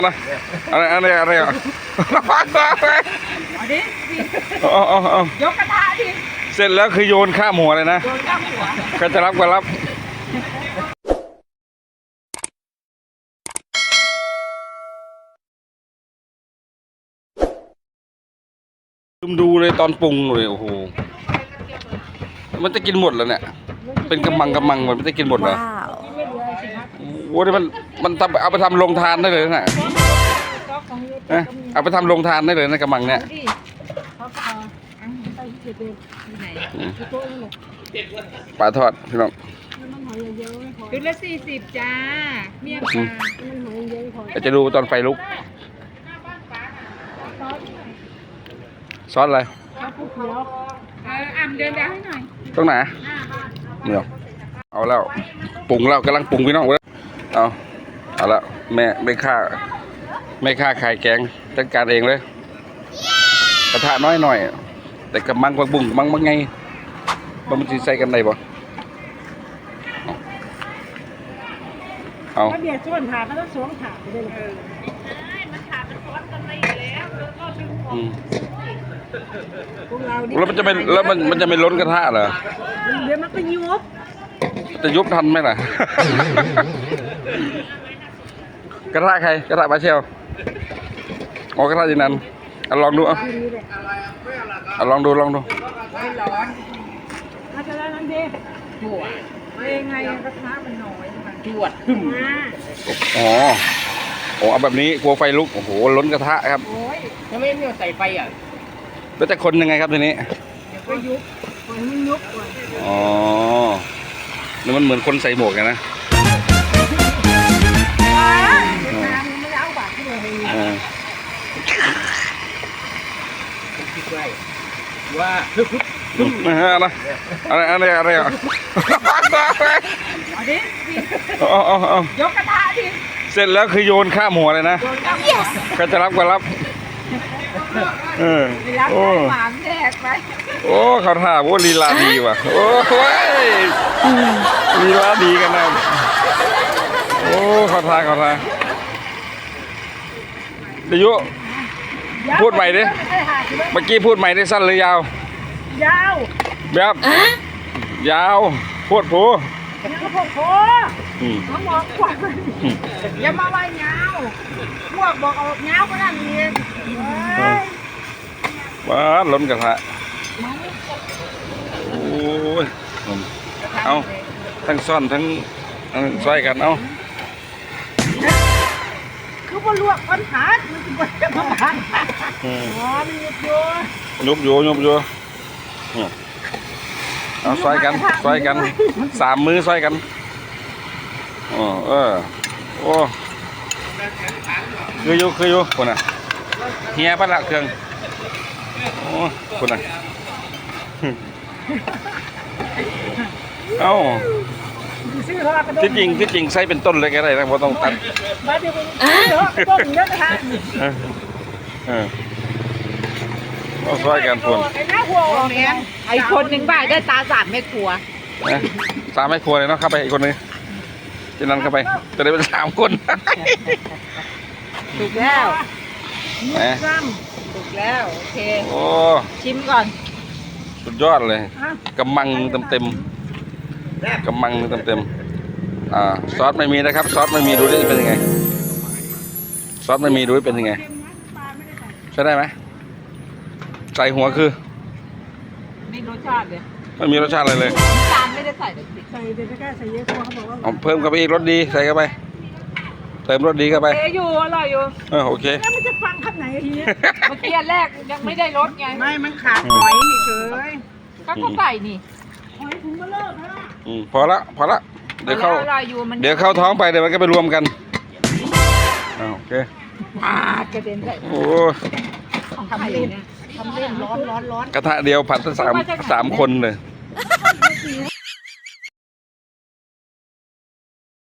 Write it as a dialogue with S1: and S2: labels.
S1: นะอะไรอ่ะ
S2: เอาดิยกกระทะดิ
S1: เสร็จแล้วคือโยนข้ามหัวเลยนะ
S2: โยนข้ามหัว
S1: ใครจะรับก็รับดูเลยตอนปรุงเลยโอ้โหมันจะกินหมดแล้วเนี่ยเป็นกำมังมันจะกินหมดเหรอโอ้โหมันทำเอาไปทำโรงทานได้เลยนะเอาไปทำโรงทานได้เลยนะกำมังเนี่ยปลาทอดพี่น้อง
S2: ชุดละ40จ้าเมี่ยงปลา
S1: จะดูตอนไฟลุกซอสอะไร
S2: อ่ำเดินดาวให้หน่อย
S1: ตรงไหนเนี่ยเอาแล้วปรุงแล้วกำลังปรุงพี่น้องเอาแล้วแม่ฆ่าไข่แกงจัดการเองเลยกระทะน้อยหน่อยแต่กระมังกระบุ้งมังไงมันจะใส่กันได้บ่เอา
S2: เดี๋ยวส่วนถาดมันต้องสวมถาดไปเลยมันถาดมันซ้อนกันไม่อยู่แล้วก็ดึงออก
S1: แล้วมันจะไม่ล้นกระทะเหรอ
S2: เดี๋ยวมันก็ยุบ
S1: จะยุบทันไหมล่ะ กระทะใครกระทะปลาเชลกระทะจีนันลองดูลองดู
S2: ไม่ร้อนถ้าจะได้นั้นดิหัวไงกระทะมันน้อยจวด
S1: อ๋อเอาแบบนี้กลัวไฟลุกโอ้โหล้นกระทะครับ
S2: ถ้าไม่มีใส่ไฟอ่ะ
S1: แล้วจะคนยังไงครับทีนี้
S2: เดี๋ยวก็ยุบมันยุบก่อน
S1: อ๋อนี่มันเหมือนคนใส่หมวกไงนะ
S2: ว่า
S1: อะไรอ่ะ
S2: เอาดิยกกระทะดิ
S1: เสร็จแล้วคือโยนข้ามหัวเลยนะใครจะรับก็รับ
S2: โอ้หวานแดกไป
S1: โอ้เขาท่าโอ้ลีลาดีว่ะโอ้ยลีลาดีกันนะโอ้เขาท่าเดี๋ยวพูดใหม่ดิเมื่อกี้พูดใหม่ได้สั้นหรือยาวย
S2: าว
S1: แบบยาวพูดผู
S2: น้องบอกว่าอย่ามาไว้ยาวพวกบอกเอายาวก็ได้เอง
S1: ว้าล้นกระทะโอ้ยเอาทั้งซ่อนทั้งซอยกันเอา
S2: คือว่าลวกปัญหามันจะเป็นปัญหามัน
S1: ยุบอยู่เอาซอยกัน3 มือซอยกันโอ้คืออยู่คนน่ะเฮียปะละเครื่องโอ้คนน่ะเอ้าที่จริงใส่เป็นต้นเลยก็ได้นะเพราะต้องตัด
S2: มาเดี๋ยวต้นเยอะนะคะ
S1: เอาซอยกันคน
S2: ไอ้คนหนึ่งบ่ายได้ตา3 แม่ครัว
S1: 3 แม่ครัวเลยเนาะเข้าไปอีกคนนึงที่นั่นเข้าไปจะได้เป็น3 คน
S2: ถูกแล้วถูกแล้วโอเค
S1: โอ้
S2: ชิมก่อน
S1: สุดยอดเลยกำมังเต็มซอสไม่มีนะครับซอสไม่มีดูได้เป็นยังไงซอสไม่มีดูเป็นยังไงใช่ได้ไหมใส่หัวคือ
S2: ไม่รสชาติเลย
S1: ไม่มีรสชาติอะไรเลย
S2: จานไม่ได้ใส่เลยใส่เดี๋ยวใส่เยอะเขาบอกว่า
S1: เพิ่มเข้าไปอีกรสดีใส่เข้าไปเติมรสดีเข้าไป
S2: อยู่อร่อยอยู่
S1: โอเค
S2: แล้วมันจะฟังขั้นไหนทีนี้เมื่อกี้แรกยังไม่ได้รสไงไม่มันขาดหอยเฉยก็ใส่นี่หอยถุงมาเลิกแล้ว
S1: พอละเดี๋ยวเข้าท้องไปเดี๋ยวมันก็ไปรวมกันโอเค
S2: กระเด็นใส่
S1: โอ้
S2: ทำเล่นร้อน
S1: กระทะเดียวผัดทั้ง3 คนเลย